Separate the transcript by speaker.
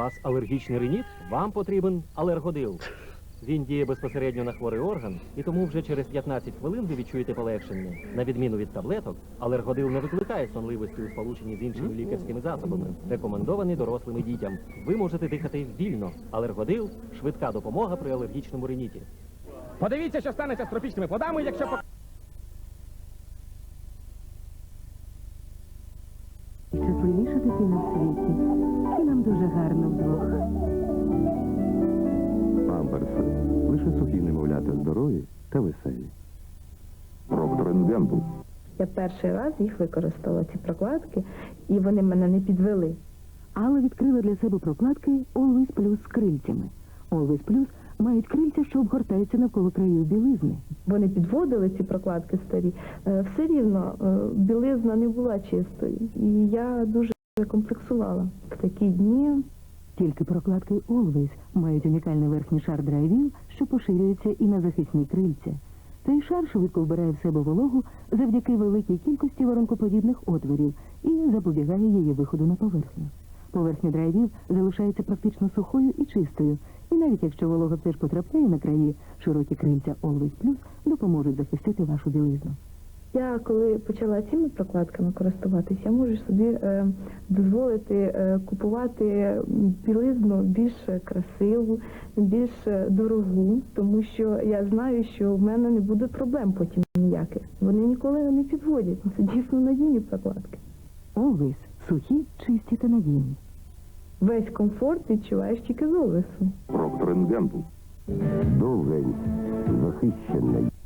Speaker 1: вас алергічний риніт? Вам потрібен алергодил. Він діє безпосередньо на хворий орган, і тому вже через 15 хвилин ви відчуєте полегшення. На відміну від таблеток, алергодил не викликає сонливості у сполученні з іншими лікарськими засобами, рекомендований дорослим і дітям. Ви можете дихати вільно. Алергодил – швидка допомога при алергічному риніті.
Speaker 2: Подивіться, що станеться з тропічними плодами, якщо...
Speaker 3: Щасливіша дитина в світі. І нам дуже гарно вдвох.
Speaker 4: Памперси. Лише сухі немовлята здорові та веселі. Проктор & Гембл.
Speaker 5: Я перший раз їх використала, ці прокладки, і вони мене не підвели.
Speaker 3: Алла відкрила для себе прокладки Always Plus з крильцями. Always Plus мають крильця, що обгортаються навколо країв білизни.
Speaker 5: Вони підводили ці прокладки старі. Все рівно білизна не була чистою. І я дуже комплексувала в такі дні.
Speaker 3: Тільки прокладки Always мають унікальний верхній шар драйвіл, що поширюється і на захисні крильця. Цей шар швидко вбирає в себе вологу завдяки великій кількості воронкоподібних отворів і запобігає її виходу на поверхню. Поверхня драйвів залишається практично сухою і чистою, і навіть якщо волога все ж потрапляє на краї, широкі крильця Always Plus допоможуть захистити вашу білизну.
Speaker 5: Я, коли почала цими прокладками користуватися, я можу собі дозволити купувати білизну більш красиву, більш дорогу, тому що я знаю, що в мене не буде проблем потім ніяких. Вони ніколи не підводять. Це дійсно надійні прокладки.
Speaker 3: Always – сухі, чисті та надійні.
Speaker 5: Весь комфорт відчуваєш тільки з Always.
Speaker 4: Проктор & Гембл. Довгень. Захищений.